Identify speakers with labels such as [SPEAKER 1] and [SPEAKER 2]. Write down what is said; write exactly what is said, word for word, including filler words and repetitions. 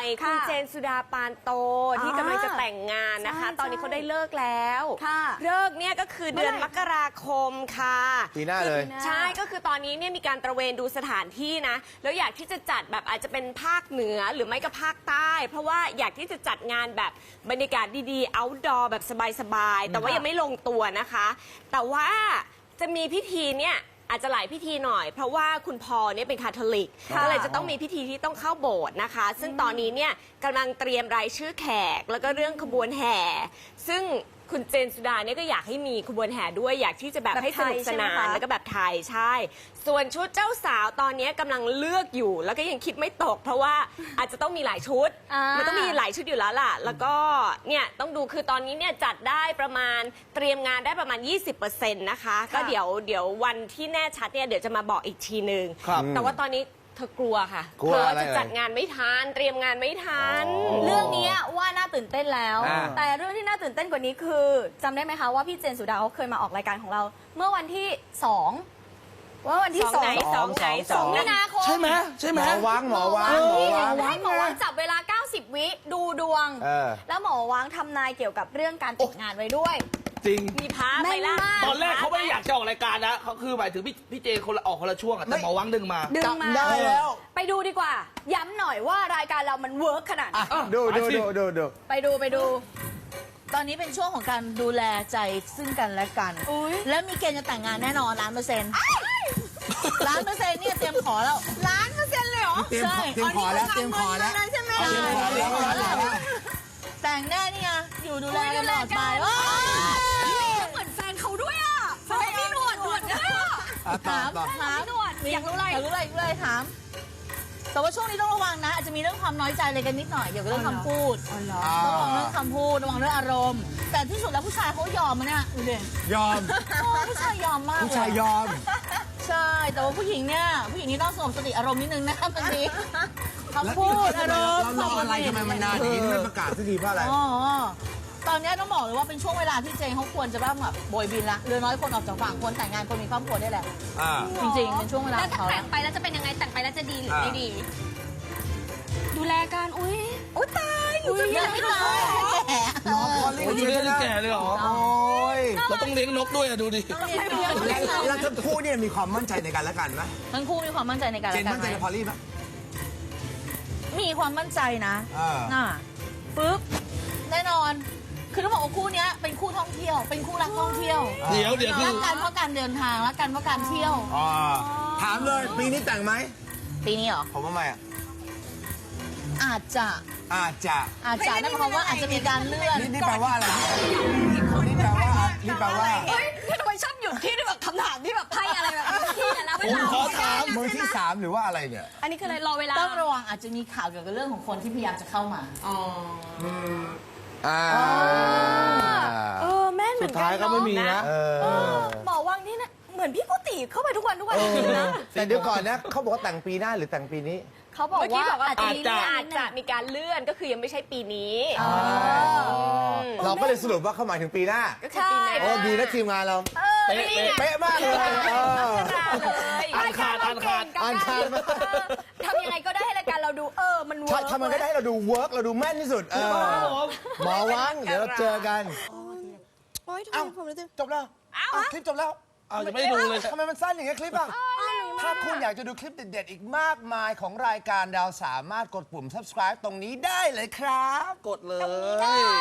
[SPEAKER 1] คุณเจนสุดาปานโตที่กำลังจะแต่งงานนะคะตอนนี้เขาได้เลิกแล้วเลิกเนี่ยก็คือเดือนมกราคมค่ะ
[SPEAKER 2] ปีหน้าเลย
[SPEAKER 1] ใช่ก็คือตอนนี้เนี่ยมีการตระเวนดูสถานที่นะแล้วอยากที่จะจัดแบบอาจจะเป็นภาคเหนือหรือไม่ก็ภาคใต้เพราะว่าอยากที่จะจัดงานแบบบรรยากาศดีๆ outdoor แบบสบายๆแต่ว่ายังไม่ลงตัวนะคะแต่ว่าจะมีพิธีเนี่ยอาจจะหลายพิธีหน่อยเพราะว่าคุณพอเนี่ยเป็นคาทอลิกก็เลยจะต้องมีพิธีที่ต้องเข้าโบสถ์นะคะซึ่งตอนนี้เนี่ยกำลังเตรียมรายชื่อแขกแล้วก็เรื่องขบวนแห่ซึ่งคุณเจนสุดาเนี่ยก็อยากให้มีขบวนแห่ด้วยอยากที่จะแบบให้สนุกสนานแล้วก็แบบไทยใช่ส่วนชุดเจ้าสาวตอนนี้กำลังเลือกอยู่แล้วก็ยังคิดไม่ตกเพราะว่าอาจจะต้องมีหลายชุดมันต้องมีหลายชุดอยู่แล้วล่ะแล้วก็เนี่ยต้องดูคือตอนนี้เนี่ยจัดได้ประมาณเตรียมงานได้ประมาณ ยี่สิบเปอร์เซ็นต์ นะคะก็เดี๋ยวเดี๋ยววันที่แน่ชัดเนี่ยเดี๋ยวจะมาบอกอีกทีนึงแต่ว่าตอนนี้เธอกลัวค่ะกลัวจะจัดงานไม่ทันเตรียมงานไม่ทัน
[SPEAKER 3] เรื่องนี้ว่าน่าตื่นเต้นแล้วแต่เรื่องที่น่าตื่นเต้นกว่านี้คือจำได้ไหมคะว่าพี่เจนสุดาเขาเคยมาออกรายการของเราเมื่อวันที่สองว่าวันที่สอง
[SPEAKER 1] ไหนสองไหน
[SPEAKER 3] สองมีนาคม
[SPEAKER 4] ใช่ไหมใช่ไหม
[SPEAKER 2] หมอวังหมอวังหมอวัง
[SPEAKER 3] ให้หมอวังจับเวลาเก้าสิบวิดูดวงแล้วหมอวังทำนายเกี่ยวกับเรื่องการแต่งงานไว้ด้วย
[SPEAKER 4] จริง
[SPEAKER 1] มีพาไปล่ะ
[SPEAKER 4] ตอนแรกเขาไม่ได้อยากจะออกรายการนะเขาคือหมายถึงพี่พี่เจคนละออกคนละช่วงแต่หมอวังดึงมา
[SPEAKER 3] ดึงมา
[SPEAKER 2] ได้แล้ว
[SPEAKER 3] ไปดูดีกว่าย้ำหน่อยว่ารายการเรามันเวิร์กขนาดไหน
[SPEAKER 2] ดูดูดูดูดู
[SPEAKER 3] ไปดูไปดู
[SPEAKER 5] ตอนนี้เป็นช่วงของการดูแลใจซึ่งกันและกันแล้วมีเกณฑ์จะแต่งงานแน่นอนล้านเปอร์เซ็นต์ล้านเปอร์เซ็นต์เนี่ยเตรียมขอแล้ว
[SPEAKER 3] ล้านเปอร์เซ็นต์เลยเหรอ
[SPEAKER 2] ใช่เตรียมขอแล้วเตรียมขอแล้ว
[SPEAKER 3] ใช่ไหม
[SPEAKER 5] แต่งแน่นี่ไงอยู่ดูแลกันตลอดไป
[SPEAKER 3] เหมือนแฟนเขาด้วยอ่ะแฟนพี่หนวดหนวดด้วย
[SPEAKER 5] ถามถาม
[SPEAKER 3] หนวดอยากรู้อะไร
[SPEAKER 5] อยากรู้อะไรเลยถามแต่ว่าช่วงนี้ต้องระวังนะอาจจะมีเรื่องความน้อยใจอะไรกันนิดหน่อยเกี่ยวกับเรื่องคำพูดต้องระวังเรื่องคำพูดระวังเรื่องอารมณ์แต่ที่สุดแล้วผู้ชายเขายอมมันเนี่ยดูดิ
[SPEAKER 2] ยอม
[SPEAKER 5] ผู้ชายยอมมาก
[SPEAKER 2] ผู้ชายยอม
[SPEAKER 5] ใช่แต่ว่าผู้หญิงเนี่ยผู้หญิงนี่ต้องสงบสติอารมณ์นิดนึงนะบางทีคำพูดอารมณ์
[SPEAKER 2] เรารออะไรทำไมมันนานอย่างนี้ไม่ประกาศสักทีเพราะอะไร
[SPEAKER 5] อ๋อตอนนี้ต้องบอกเลยว่าเป็นช่วงเวลาที่เจงเขาควรจะแบบโบยบินละเรือน้อยคนออกจากฝั่งคนแต่งงานคนมีครอบครัวได้แล้วจริงๆเป็นช่วงเวลา
[SPEAKER 3] แล้วแต่งไปแล้วจะเป็นยังไงแต่งไปแล้วจะดีหรือไม่ดีดูแลกันอุ้ยอุ้ยตาย
[SPEAKER 5] อุ้ยยังไม่ตายแก่
[SPEAKER 2] น้องพอลลี่
[SPEAKER 4] อยู่ได้แก่เลยเหรอ
[SPEAKER 2] โอ้ย
[SPEAKER 4] เราต้องเลี้ยงนกด้วยอะดูดิ
[SPEAKER 2] แล้วทั้งคู่เนี่ยมีความมั่นใจในกันและกันไหม
[SPEAKER 5] ทั้งคู่มีความมั่นใจในกันและกัน
[SPEAKER 2] เจนมั่นใจในพอลลี่ไหม
[SPEAKER 5] มีความมั่นใจนะน่ะปึ๊บแน่นอนคือต้องบอกว่าคู่นี้เป็นคู่ท่องเที่ยวเป็นคู่รักท่องเที่ยว
[SPEAKER 4] เดี๋ยวเดี๋ยว
[SPEAKER 5] รักกันเพราะการเดินทางรักกันเพราะการเที่ยว
[SPEAKER 2] ถามเลยปีนี้แต่งไหม
[SPEAKER 5] ปีนี้เหรอ
[SPEAKER 2] ผมว่าไม่อะ
[SPEAKER 5] อาจจะ
[SPEAKER 2] อาจจะ
[SPEAKER 5] อาจจะนั่นหมายความว่าอาจจะมีการเลื่อน
[SPEAKER 2] นี่แปลว่าอะไรนี่แปลว่านี่แปลว่า
[SPEAKER 3] เฮ้ยทำไมชอบหยุดที่แบบคำถามที่แบบไพ่อะไรแบบที่แต่ละเวลา
[SPEAKER 2] มือที่สามหรือว่าอะไรเนี่ย
[SPEAKER 3] อันนี้คืออะไรรอเวลา
[SPEAKER 5] ต้องระวังอาจจะมีข่าวเกี่ยวกับเรื่องของคนที่พยายามจะเข้ามา
[SPEAKER 3] อ๋อ
[SPEAKER 2] อ่า
[SPEAKER 3] เออแม่เหมือนกัน
[SPEAKER 2] สุดท้ายก็ไม่มีนะ
[SPEAKER 3] หมอวังนี่นะเหมือนพี่กุฏิเข้าไปทุกวันทุกวันนะ
[SPEAKER 2] แต่เดี๋ยวก่อนนะเขาบอกว่าแต่งปีหน้าหรือแต่งปีนี้
[SPEAKER 3] เขาบอกว่า
[SPEAKER 1] อาจจะอาจจะมีการเลื่อนก็คือยังไม่ใช่ปีนี้
[SPEAKER 2] เราก็เลยสรุปว่าเขาหมายถึงปีหน้า
[SPEAKER 1] ก็คือปีหน้า
[SPEAKER 2] โอ้ดีนะทีมงานเรา
[SPEAKER 4] เป๊ะ
[SPEAKER 2] เป๊ะมากเลย
[SPEAKER 4] อ่านขาดอ่านขาด
[SPEAKER 2] อ่านขาด
[SPEAKER 3] ทำยังไงก็ได้ให้รายการเราดูเออมันเวิร์ก
[SPEAKER 2] ทำมันก็ได้เราดูเวิร์กเราดูแม่นที่สุดหมอวังเดี๋ยวเราเจอกัน
[SPEAKER 3] โอ้ยทำไมผมรู้สึก
[SPEAKER 2] จบแล้วคลิปจบแล้ว
[SPEAKER 4] อ้าวยังไม่ดูเลย
[SPEAKER 2] ทำไมมันสั้นอย่างเงี้ยคลิปอ่ะถ้าคุณอยากจะดูคลิปเด็ดๆอีกมากมายของรายการเราสามารถกดปุ่ม subscribe ตรงนี้ได้เลยครับ
[SPEAKER 4] กดเลย